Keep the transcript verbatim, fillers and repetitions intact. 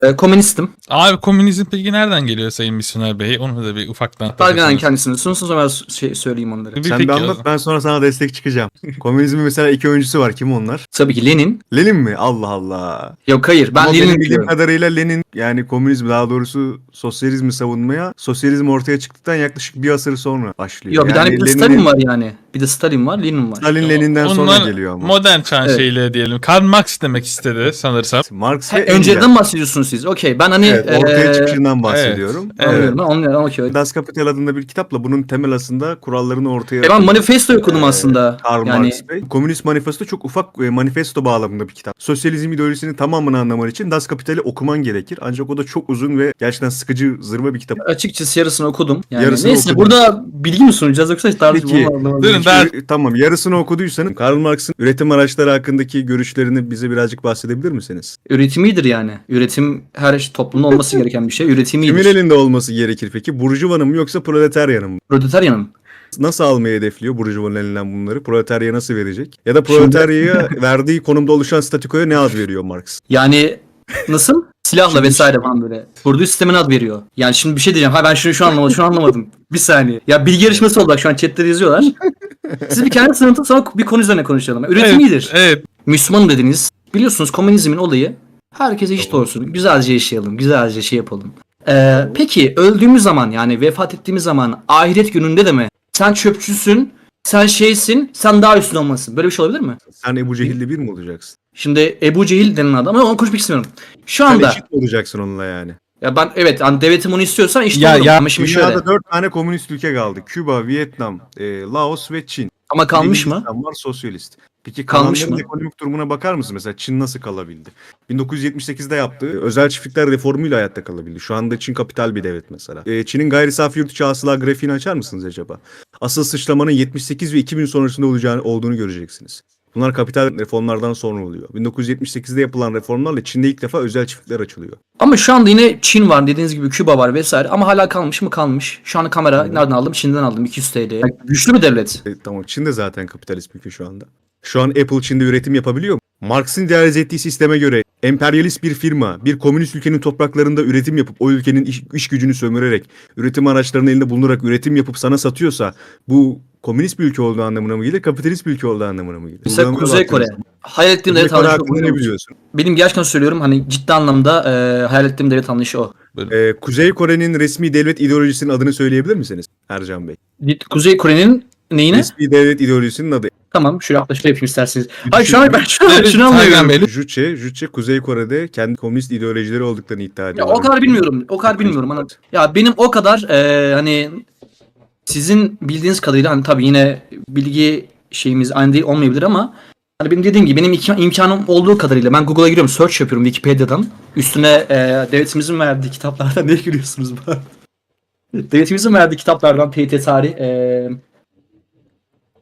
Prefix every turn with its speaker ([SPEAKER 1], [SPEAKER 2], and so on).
[SPEAKER 1] E, komünistim.
[SPEAKER 2] Abi komünizm peki nereden geliyor Sayın Misyoner Bey? Onu da bir ufaktan
[SPEAKER 1] Dalgalan
[SPEAKER 2] anlatırsanız.
[SPEAKER 1] kendisini sunsun sonra şey söyleyeyim onları.
[SPEAKER 2] Bir
[SPEAKER 3] Sen
[SPEAKER 2] peki
[SPEAKER 3] bir
[SPEAKER 2] o
[SPEAKER 3] anlat,
[SPEAKER 2] zaman.
[SPEAKER 3] ben sonra sana destek çıkacağım. Komünizmin mesela iki öncüsü var. Kim onlar?
[SPEAKER 1] Tabii ki Lenin.
[SPEAKER 3] Lenin mi? Allah Allah.
[SPEAKER 1] Yok hayır ben
[SPEAKER 3] Ama benim
[SPEAKER 1] Lenin
[SPEAKER 3] bildiğim
[SPEAKER 1] diyorum.
[SPEAKER 3] kadarıyla Lenin, yani komünizm, daha doğrusu sosyalizmi savunmaya, sosyalizm ortaya çıktıktan yaklaşık bir asır sonra başlıyor.
[SPEAKER 1] Yok bir
[SPEAKER 3] yani
[SPEAKER 1] tane bir de
[SPEAKER 3] Lenin'in-
[SPEAKER 1] Stalin var yani. Bir de Stalin var, Lenin var.
[SPEAKER 3] Stalin Lenin'den sonra
[SPEAKER 2] Onlar
[SPEAKER 3] geliyor ama.
[SPEAKER 2] modern çağın
[SPEAKER 1] Evet.
[SPEAKER 2] şeyleri diyelim. Karl Marx demek istedi sanırsam.
[SPEAKER 3] Marx
[SPEAKER 1] Ha,
[SPEAKER 3] ve Engels.
[SPEAKER 1] önceden bahsediyorsunuz siz. Okey ben hani
[SPEAKER 3] Evet, ortaya
[SPEAKER 1] eee,
[SPEAKER 3] çıkışından bahsediyorum.
[SPEAKER 2] evet.
[SPEAKER 1] anlıyorum ben anlıyorum okey.
[SPEAKER 3] Das Kapital adında bir kitapla bunun temel aslında kurallarını ortaya
[SPEAKER 1] E ben manifesto okudum
[SPEAKER 3] Ee,
[SPEAKER 1] aslında.
[SPEAKER 3] Karl
[SPEAKER 1] Yani
[SPEAKER 3] Marx Bey. Komünist Manifesto çok ufak e, manifesto bağlamında bir kitap. Sosyalizm ideolojisinin tamamını anlaman için Das Kapital'i okuman gerekir. Ancak o da çok uzun ve gerçekten sıkıcı, zırva bir kitap.
[SPEAKER 1] açıkçası yarısını okudum. Yani
[SPEAKER 3] Yarısını
[SPEAKER 1] neyse
[SPEAKER 3] okudum.
[SPEAKER 1] burada bilgi mi sunacağız yoksa hiç tarzı
[SPEAKER 3] Peki.
[SPEAKER 2] Durun ben
[SPEAKER 3] Ü- Tamam, yarısını okuduysanız Karl Marx'ın üretim araçları hakkındaki görüşlerini bize birazcık bahsedebilir misiniz?
[SPEAKER 1] Üretimidir yani. Üretim her şey toplumda olması gereken bir şey.
[SPEAKER 3] Kimin
[SPEAKER 1] Üretimidir.
[SPEAKER 3] elinde olması gerekir peki? Burjuvanın mı yoksa proletaryanın mı?
[SPEAKER 1] Proletaryanım.
[SPEAKER 3] Nasıl almayı hedefliyor Burjuvanın elinden bunları? Proletarya nasıl verecek? Ya da proletaryaya verdiği konumda oluşan statükoya ne ad veriyor Marx?
[SPEAKER 1] Yani nasıl? Silahla
[SPEAKER 3] Şimdi-
[SPEAKER 1] vesaire falan böyle. Kurduğu sistemine ad veriyor. Yani şimdi bir şey diyeceğim. Ha ben şunu şu anlamadım. Şunu anlamadım. Bir saniye. Ya bilgi yarışması oldu. Bak şu an chatte yazıyorlar. Siz bir kendi sınıfta sonra bir konu üzerine konuşalım. Üretim
[SPEAKER 2] evet,
[SPEAKER 1] iyidir.
[SPEAKER 2] evet.
[SPEAKER 1] Müslümanım dediniz. Biliyorsunuz komünizmin olayı herkes eşit olsun. Güzelce yaşayalım. Güzelce şey yapalım. Ee, peki öldüğümüz zaman yani vefat ettiğimiz zaman ahiret gününde de mi? Sen çöpçüsün, sen şeysin, sen daha üstün olmasın. Böyle bir şey olabilir mi?
[SPEAKER 3] Sen Ebu Cehil'le bir mi olacaksın?
[SPEAKER 1] Şimdi Ebu Cehil denen adam ama onu konuşmak istemiyorum. Şu
[SPEAKER 3] Sen
[SPEAKER 1] anda
[SPEAKER 3] eşit mi olacaksın onunla yani?
[SPEAKER 1] ya ben evet hani devletim onu istiyorsan eşit
[SPEAKER 2] Ya-
[SPEAKER 1] olurum.
[SPEAKER 2] ya
[SPEAKER 1] Ama şimdi
[SPEAKER 3] Dünyada
[SPEAKER 1] şöyle.
[SPEAKER 3] dört tane komünist ülke kaldı. Küba, Vietnam, e, Laos ve Çin.
[SPEAKER 1] Ama kalmış mı?
[SPEAKER 3] Hindistan var sosyalist. Peki
[SPEAKER 1] Kalmış
[SPEAKER 3] kalanların
[SPEAKER 1] mı?
[SPEAKER 3] ekonomik durumuna bakar mısın? Mesela Çin nasıl kalabildi? bin dokuz yüz yetmiş sekizde yaptığı özel çiftlikler reformuyla hayatta kalabildi. Şu anda Çin kapital bir devlet mesela. E, Çin'in gayri safi yurt içi hasıla grafiğini açar mısınız acaba? Asıl sıçramanın yetmiş sekiz ve iki bin sonrasında olacağını olduğunu göreceksiniz. Bunlar kapital reformlardan sonra oluyor. bin dokuz yüz yetmiş sekizde yapılan reformlarla Çin'de ilk defa özel çiftlikler açılıyor.
[SPEAKER 1] Ama şu anda yine Çin var dediğiniz gibi Küba var vesaire ama hala kalmış mı kalmış. Şu an kamera nereden aldım? Çin'den aldım iki yüz TL. Yani güçlü bir devlet.
[SPEAKER 3] E, tamam, Çin de zaten kapitalist bir ülke şu anda. Şu an Apple Çin'de üretim yapabiliyor mu? Marx'ın idealize ettiği sisteme göre emperyalist bir firma bir komünist ülkenin topraklarında üretim yapıp o ülkenin iş, iş gücünü sömürerek üretim araçlarının elinde bulunarak üretim yapıp sana satıyorsa bu komünist bir ülke olduğu anlamına mı gelir, kapitalist bir ülke olduğu anlamına mı gelir?
[SPEAKER 1] Mesela
[SPEAKER 3] Kullanımına
[SPEAKER 1] Kuzey Kore.
[SPEAKER 3] baktığınız
[SPEAKER 1] Hayal ettiğim
[SPEAKER 3] Kuzey
[SPEAKER 1] devlet
[SPEAKER 3] Kore
[SPEAKER 1] anlayışı
[SPEAKER 3] hakkında
[SPEAKER 1] o.
[SPEAKER 3] ne biliyorsun?
[SPEAKER 1] Benim gerçekten söylüyorum hani ciddi anlamda e, hayal ettiğim devlet anlayışı o.
[SPEAKER 3] Ee, Kuzey Kore'nin resmi devlet ideolojisinin adını söyleyebilir misiniz Ercan Bey?
[SPEAKER 1] Kuzey Kore'nin neyine?
[SPEAKER 3] Resmi devlet ideolojisinin adı.
[SPEAKER 1] Tamam şöyle yaklaşık yapayım isterseniz. Hayır şu an ben şunu, şunu
[SPEAKER 2] Taylan
[SPEAKER 1] anlıyorum.
[SPEAKER 2] Bey,
[SPEAKER 3] Juche, Juche Kuzey Kore'de kendi komünist ideolojileri olduklarını iddia
[SPEAKER 1] Ya
[SPEAKER 3] ediyorlar.
[SPEAKER 1] o kadar bilmiyorum. O kadar bilmiyorum. Ana. Ya benim o kadar e, hani sizin bildiğiniz kadarıyla hani tabii yine bilgi şeyimiz aynı değil olmayabilir ama hani benim dediğim gibi benim imkan, imkanım olduğu kadarıyla ben Google'a giriyorum, search yapıyorum Wikipedia'dan. Üstüne e, devletimizin verdiği kitaplardan ne giriyorsunuz bu arada? Devletimizin verdiği kitaplardan T Y T tarih, e,